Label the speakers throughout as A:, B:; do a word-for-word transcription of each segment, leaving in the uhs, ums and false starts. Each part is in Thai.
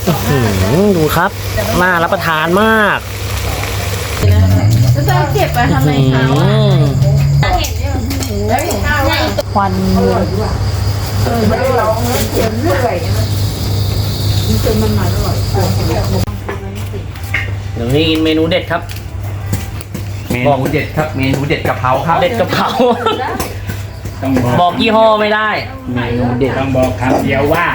A: ดูครับน่ารับประทานมาก
B: จะเก็บไปทำไมคะควันเออไม่ได้ร้องเลยเจ็บเรื่อยมันจนมันมาอร่อย
A: เดี๋ยวนี้กินเมนูเด็ดครับ
C: เมนูเด็ดครับเมนูเด็ดกะเพราครับ
A: เด็ดกะเพรา
C: ต้องบอก
A: บอกยี่ห้อไม่ได้
C: เมนูเด็ดต้องบอกคำเดียวว่า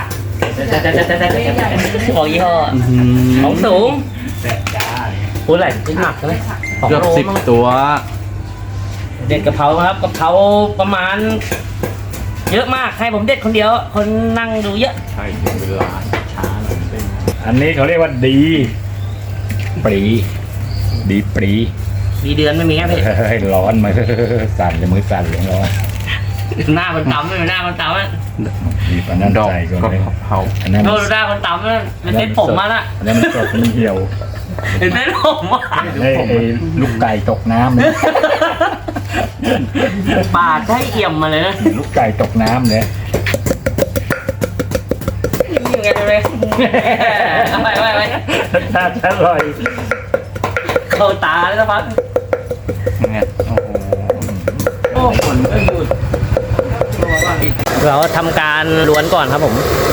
A: บอกยี่ห้อของสูงพูดอะไรขึ้นหนักเลย
C: เกือบสิบตัว
A: เด็ดกะเพราครับกะเพราประมาณเยอะมากให้ผมเด็ดคนเดียวคนนั่งดูเยอะ
C: ใช่เวลาช้าหน่อยเป็นอันนี้เขาเรียกว่าดีปรีดีปรี
A: มีเดือนไม่มีแค่พี่
C: ให้ร้อนมาสั่นเลยมือสั่นเลยร้อน
A: หน้ามันต่ำเลยหน้ามันต่ำอ่ะ
C: มีปนันดอกก็เผา
A: อันนั้นโดนหน้ามันต่ำเลยเป็นเส้นผมมาละ
C: อันนั้นมันสดมันเหี่ยว
A: เป็นเส้นผมว่ะ
C: ไอ้ลูกไก่ตกน้ำเลย
A: ปาดให้เอี่ยมมาเลยนะ
C: ลูกไก่ตกน้ำเลย
A: ยังไงเลยไปไปไป
C: น่าจะอร่อย
A: เข้าตาเลยนะพัก
C: เนี่ยโอ้โหฝนก็หยุด
A: เราทำการล้วนก่อนครับผม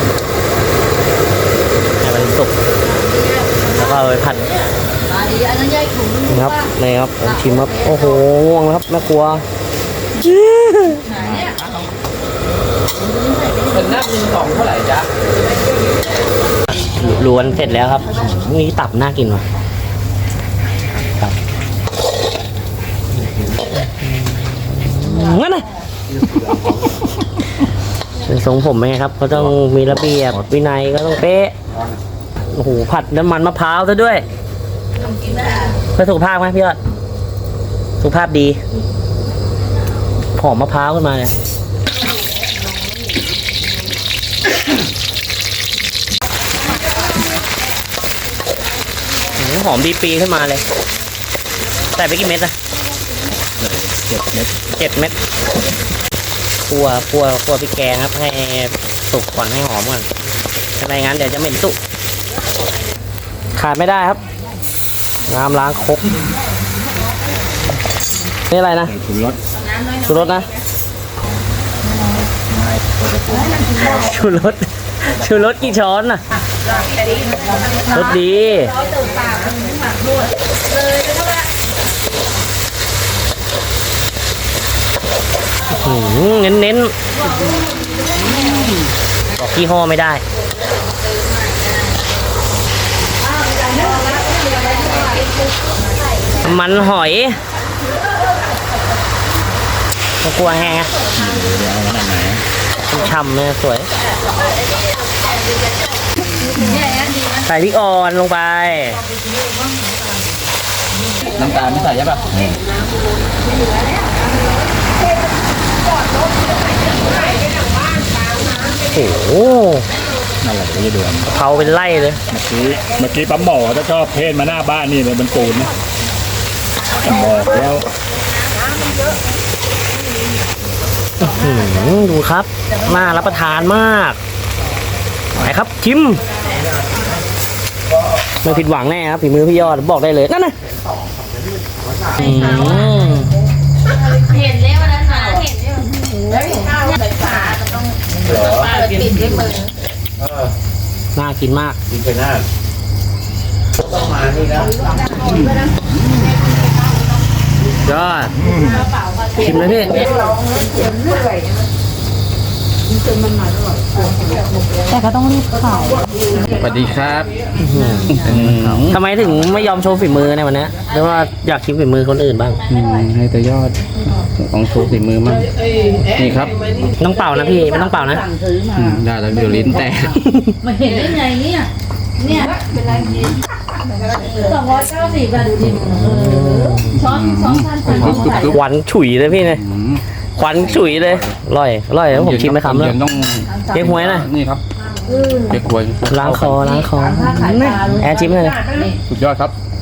A: ให้มันสุกแล้วก็เอาไปผัดนี่ครับนี่ครับผมชิมครับโอ้โหง่วงครับแม่ครัว
C: เป็นน้ำมินสองเท่าไหร่จ๊ะ
A: ล้วนเสร็จแล้วครับนี่ตับน่ากินว่ะตับงั้นนะเป็นทรงผมไงครับก็ต้องมีระเบียบวินัยก็ต้องเป๊ะโอ้โหผัดน้ำมันมะพร้าวซะด้วยเพื่อสุขภาพไหมพี่ยอดสุขภาพดีหอมมะพร้าวขึ้นมาเนี่ยหอมดีปีขึ้นมาเลยใส่ไปกี่เม็ดอะ
C: เจ็ดเม็ด
A: เจ็ดเม็ดคั่วคั่วคั่วพริกแกงครับให้สุกก่อนให้หอมก่อนไม่งั้นเดี๋ยวจะเหม็นตุขาดไม่ได้ครับน้ำล้างครกนี่อะไรนะ
C: ชูรส
A: ชูรสนะชูรสชูรสกี่ช้อนน่ะรสดีเน้นเน้นบอกยี่ห้อไม่ได้มันหอยก็กลัวแห้งช่ำเลยสวยใส่พริกอ่อนลงไป
C: น้ำตาลไม่ใส่ใช่ป่ะ
A: โอ้โห
C: นั่นแหละจะด่วน
A: เผาเป็นไล่เลย
C: เมื่อกี้เมื่อกี้ปั๊มหมอถ้าชอบเพศมาหน้าบ้านนี่เลยมันปูนนะบอกแล้ว
A: ดูครับน่ารับประทานมากไหนครับชิมไม่ผิดหวังแน่ครับฝีมือพี่ยอดบอกได้เลยนั่นนะ
B: เห็นเลยวันนั้นมาเห็นเลยใส่ฝาต้องฝาปิดด้วยมือ
A: น่ากินมาก
C: กินไปหน้าต้องมานี่นะ
A: ยอดชิมเลยพี่
B: แต่ก็ต้องรีบขาย
C: สวัสดีครับ
A: ทำไมถึงไม่ยอมโชว์ฝีมือในวันนี้หรือว่าอยากชิมฝีมือคนอื่นบ้าง
C: ให้แต่ยอดของโชว์ฝีมือมั่งนี่ครับ
A: ต้องเป่านะพี่ไม่ต้องเป่านะ
C: ได้แล้วเดี๋ยวลิ้นแตก
B: มาเห็นได้ไงเนี่ยเนี่ยเป็นไรสองร้อยเก้าสิบบาทดูดิช้อนช้อนพัน
A: หวานฉุยเลยพี่เนี่ยควันฉุยเลยอร่อยอร่อยแล้วผมชิมไหมครับแล้ว
C: ต้อง
A: เก๊กฮวยนะ
C: นี่ครับเก๊กฮวย
A: ล้างคอล้างคอแอนชิมเลย
C: สุดยอดครับ